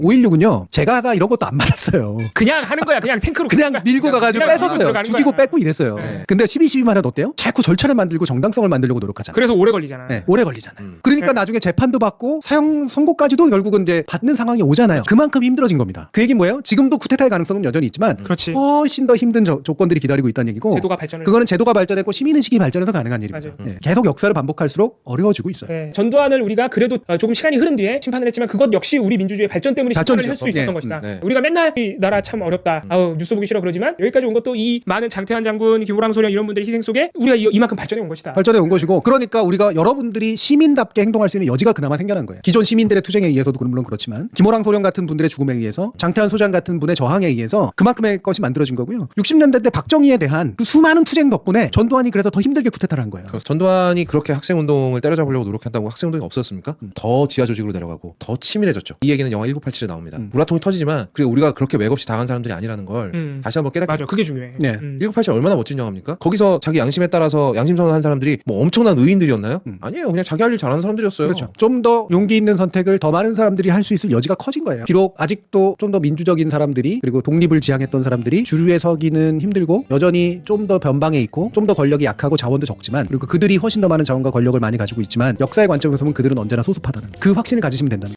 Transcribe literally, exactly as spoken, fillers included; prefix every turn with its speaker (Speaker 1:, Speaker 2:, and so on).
Speaker 1: 오일육은요 제가가 이런 것도 안 받았어요.
Speaker 2: 그냥 하는 거야. 그냥 탱크로
Speaker 1: 그냥 밀고 가가지고
Speaker 2: 그냥
Speaker 1: 뺏었어요.
Speaker 2: 들어가는
Speaker 1: 죽이고
Speaker 2: 거야.
Speaker 1: 뺏고 이랬어요.
Speaker 2: 네.
Speaker 1: 근데 십이, 십이만 해도 어때요? 자꾸 절차를 만들고 정당성을 만들려고 노력하잖아요.
Speaker 2: 그래서 오래 걸리잖아.
Speaker 1: 네, 오래 걸리잖아요.
Speaker 3: 음.
Speaker 1: 그러니까
Speaker 2: 네.
Speaker 1: 나중에 재판도 받고 사형 선고까지도 결국은 이제 받는 상황이 오잖아요. 그만큼 힘들어진 겁니다. 그 얘기는 뭐예요? 지금도 쿠데타의 가능성은 여전히 있지만
Speaker 2: 그렇지.
Speaker 1: 훨씬 더 힘든 저- 조건들이 기다리고 있다는 얘기고
Speaker 2: 제도가 발전을.
Speaker 1: 그거는 제도가 발전했고 시민의식이 발전해서 가능한 일입니다.
Speaker 2: 맞아요.
Speaker 1: 네, 계속 역사를 반복할수록 어려워지고 있어요.
Speaker 2: 네. 전두환을 우리가 그래도 어, 조금 시간이 흐른 뒤에 심판을 했지만 그것 역시 우리 민주주의의 발전 때문에 심판을
Speaker 1: 발전이죠.
Speaker 2: 할 수 있었던
Speaker 1: 네.
Speaker 2: 것이다.
Speaker 3: 음, 네.
Speaker 2: 우리가 맨날 이 나라 참 어렵다. 아우 뉴스 보기 싫어 그러지만 여기까지 온 것도 이 많은 장태환 장군, 김호랑 소령 이런 분들의 희생 속에 우리가 이, 이만큼 발전해 온 것이다.
Speaker 1: 발전해 온 것이고 그러니까 우리가 여러분들이 시민답게 행동할 수 있는 여지가 그나마 생겨난 거예요. 기존 시민들의 투쟁에 의해서도 물론 그렇지만 김호랑 소령 같은 분들의 죽음에 의해서 장태환 소장 같은 분의 저항에 의해서 그만큼의 것이 만들어진 거고요. 육십 년대 때 박정희에 대한 그 수많은 투쟁 덕분에 전두환이 그래서 더 힘들게 쿠데타를 한 거예요.
Speaker 3: 그래서 전두환이 그렇게 학생운동을 때려잡으려고 노력했다고 학생운동이 없었습니까?
Speaker 1: 음.
Speaker 3: 더 지하 조직으로 내려가고 더 치밀해졌죠. 이 얘기는 영화 천구백팔십칠에 나옵니다.
Speaker 1: 음.
Speaker 3: 우라통이 터지지만 그리고 우리가 그렇게 맥없이 당한 사람들이 아니라는 걸
Speaker 2: 음.
Speaker 3: 다시 한번 깨닫게
Speaker 2: 맞아. 그게 중요해.
Speaker 1: 네.
Speaker 2: 음.
Speaker 3: 천구백팔십칠 얼마나 멋진 영화입니까? 거기서 자기 양심에 따라서 양심 선언한 사람들이 뭐 엄청난 의인들이었나요?
Speaker 1: 음.
Speaker 3: 아니에요. 그냥 자기 할 일 잘하는 사람들이었어요.
Speaker 1: 그렇죠. 좀 더 용기 있는 선택을 더 많은 사람들이 할 수 있을 여지가 커진 거예요. 비록 아직도 좀 더 민주적인 사람들이 그리고 독립을 지향했던 사람들이 주류에 서기는 힘들고 여전히 좀 더 변방에 있고 좀 더 권력이 약하고 자원도 적지만 그리고 그들이 훨씬 더 많은 자원과 권력을 많이 가지고 있지만 역사의 관점에서 보면 그들은 언제나 소수파다는 그 확신을 가지시면 된다는 거예요.